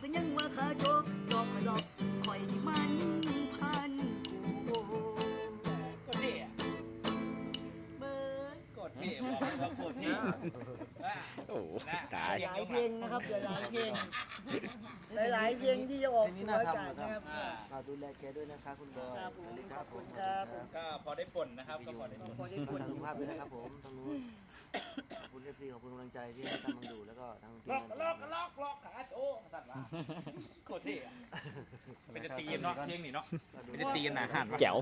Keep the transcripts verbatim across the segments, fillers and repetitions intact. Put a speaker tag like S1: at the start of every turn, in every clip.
S1: ก็ยังว่าขาโจกหลอกหลอกคอยที่มันพันกูก็เท่เบิร์ดก็เท่บอกว่าโคตรเท่
S2: โอ้ตาย
S1: หลายเพลงนะครับหลายเพลงหลายเพลงที่จะออกสู่อากาศนะครับ
S3: เราดูแลแกด้วยนะคะคุณบอย
S1: ครับผมขอบคุณครับ
S4: ก็พอได้ผลนะครับก็พอได้ผล
S1: พอได้ผล
S3: สุขภาพด้วยนะครับผมทางนู้นขอบคุณเอฟซีขอบคุณกำลังใจที่ให้ตามมังดูแล้วก็ทางทีม
S4: ล็อก
S3: งาน
S4: ล็อกล็อกล็อกขาโอ้สั่นมาโคตรเท่เป็นตีนเนาะเพลงนี่เนาะเป็นตีนหนาหัน
S2: แจ๋ว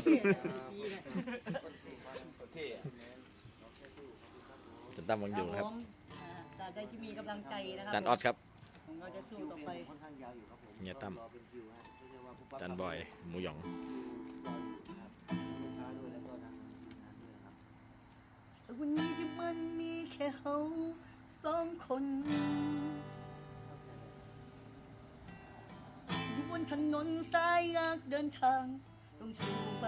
S2: จันตั้มวังอยู่นะครับ
S1: ตราบใดที่มีกำลังใจนะครั
S2: จันออดครับ
S1: ผมเราจะสู้ต่อไป
S3: ค่อนข้างยาวอยู่ครับผม
S2: เนี่ยตั้มจันบอยหมูหยอง
S1: วันนี้ที่มันมีแค่เขาสองคนอยู่บนถนนสายยากเดินทางต้องสู้ไป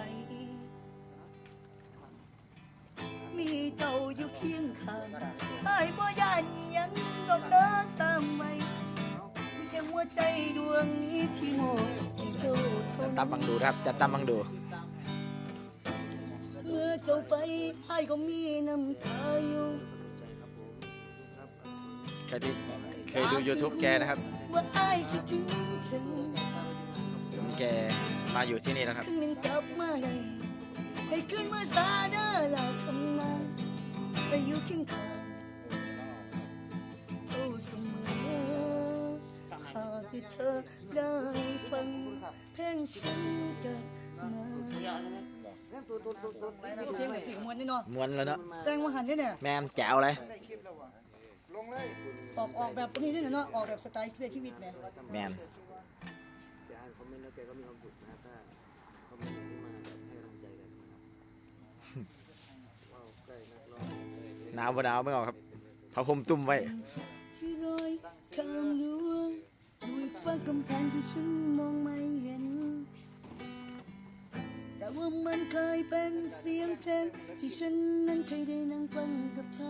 S1: มีเจ้าอยู่เคียงข้างไอ้บ่ยานยังดอกเดินตามไปมีแค่หัวใจดวงนี้ที่มองที่เจ้าเท่านั้น
S2: ตั้มบังดูครับจันตั้มบังดู
S1: เมื่อเจ้าไปไอ้ก็มีน้ำตาอยู่
S2: ใครที่เคยดู YouTube แกนะครับ
S1: ว่าไอ้คิดถึงฉัน
S2: แกมาอยู่ที่นี่แล้วครับ
S1: คืนนึงกลับมาเลยให้คืนเมื่อสาดาลาคำนั้นไปอยู่เคียงข้างเท่าเสมอหากที่เธอได้ฟังเพลงฉันกับมาเพลงแบบเสียงมวนนี่เนาะ
S2: มวนแล้วเนาะ
S1: แจ้งว่าหันนี่เนี่ย
S2: แมมแจ๋วเลย
S1: ออกออกแบบนี้นี่เนาะออกแบบสไตล์ชีวิตเนี่ย
S2: แมน
S3: แกอ่านคอมเมนต์แล้วแกก็มีความสุขนะถ้าคอมเมนต์ที่มาแบบให้กำลังใจกันว้าวใกล้นักร้อง
S2: หนาวบ่หนาวไม่ออกครับผ้าห่มตุ้มไว้
S1: ที่รอยข้ามรั้วด้วยฟ้ากำแพงที่ฉันมองไม่เห็นแต่ว่ามันเคยเป็นเสียงเพลงที่ฉันนั้นเคยได้นั่งฟังกับเธอ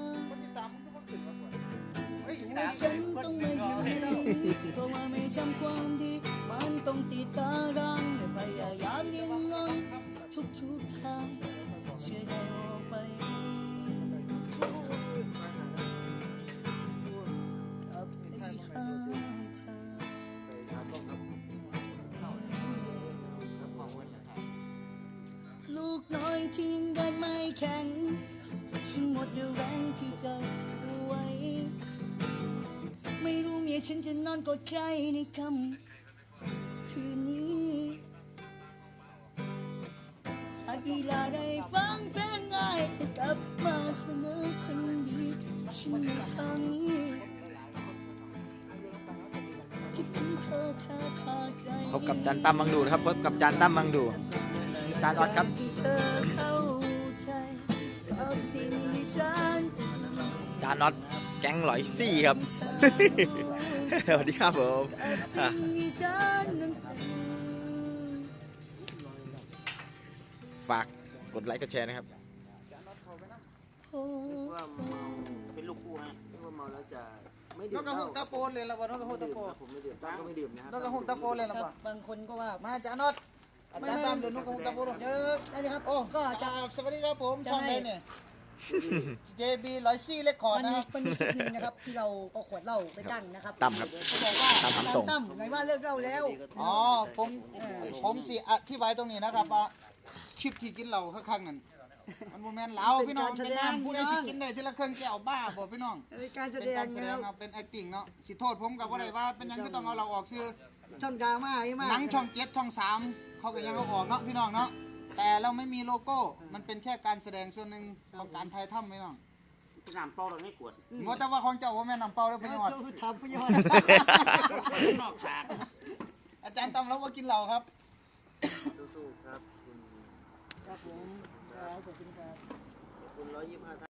S1: ว่าฉันต้องไม่อยู่เพราะว่าไม่จำความดีมันต้องติดตารางและพยายามดิ้นรนทุกทุกทางเชื่อได้ออกไปกับไปหาเธอลูกน้อยทิ้งเดินไม่แข็งฉันหมดแรงที่จะสู้ไว้ไม่รู้เมียฉันจะนอนกอดใครในค่ำคืนนี้หากอีลาได้ฟังเพลงง่ายจะกลับมาเสนอคนดีฉันในทางนี้คิดถึงเธอเธอขาดใจ
S2: พบกับจันตั้มบังดูนะครับพบกับจันตั้มบังดูจานออดครับจานออดแก๊งหลอยซี่ครับสวัสดีครับผมฝากกดไลค์กดแชร์นะครับ
S3: ว่าเมาเป็นลูกคู่ฮะว่าเมาแล้วจะไม่ดื่มเหล้า
S5: ตะโปนเลยละวันน้องกระหุ่นตะโปน
S3: ผมไม่ดื่มตั้งก็ไม่ดื่มนะครับ
S5: น้องกระหุ่นตะโปนเลยละวัน
S1: บางคนก็ว่า
S5: มาจานอดอาจารย์ตามเดินน้องกระหุ่นตะโปน
S1: เยอะนะครับโอ้ก็จะ
S5: สวัสดีครับผมช่องไหนเนี่ย เจ บี ร้อยซี่เลคคอร์ดนะครับ
S1: มันมีคลิปนึงนะครับที่เราเอาขวดเหล้าไปตั้งนะครับ
S2: ตั้มครับ
S1: เขาบอกว่าตั้มตั้มไงว่าเลิกเหล้าแล้ว
S5: อ๋อผมผมสิอธิบายตรงนี้นะครับว่าคลิปที่กินเหล้าข้างๆนั่นมันโมเมนต์เหล้าพี่น้องเป็นน้ำผู้ใดสิกินได้ทีละเครื่องแก้วบ้าบ่พี่น้อง
S1: เป็นการแสดง
S5: นะเป็น acting เนาะสิโทษผมกับว่าอะไรว่าเป็นยังก็ต้องเอาเราออกซื้อ
S1: ช่องดราม่าใช่ไหม
S5: หนังช่องเจ็ดช่องสามเขาก็ยังเอาออกเนาะพี่น้องเนาะแต่เราไม่มีโลโก้มันเป็นแค่การแสดงส่วนหนึ่งของการถ่ายทำพี่น้อง
S3: น้ำเปล่าเราไม่กวด
S5: งดแต่ว่าของเจ้าว่าแม่น้ำเปล่าแล้วพี่น้อง
S1: ทำพี่ยอด
S3: นอกฉาก
S5: อาจารย์ต้องรับว่ากินเหล้าครับ
S3: สู้ๆครับคุณ
S1: ครับผมครับขอบคุณครับ
S3: คุณร้อยยี่สิบห้า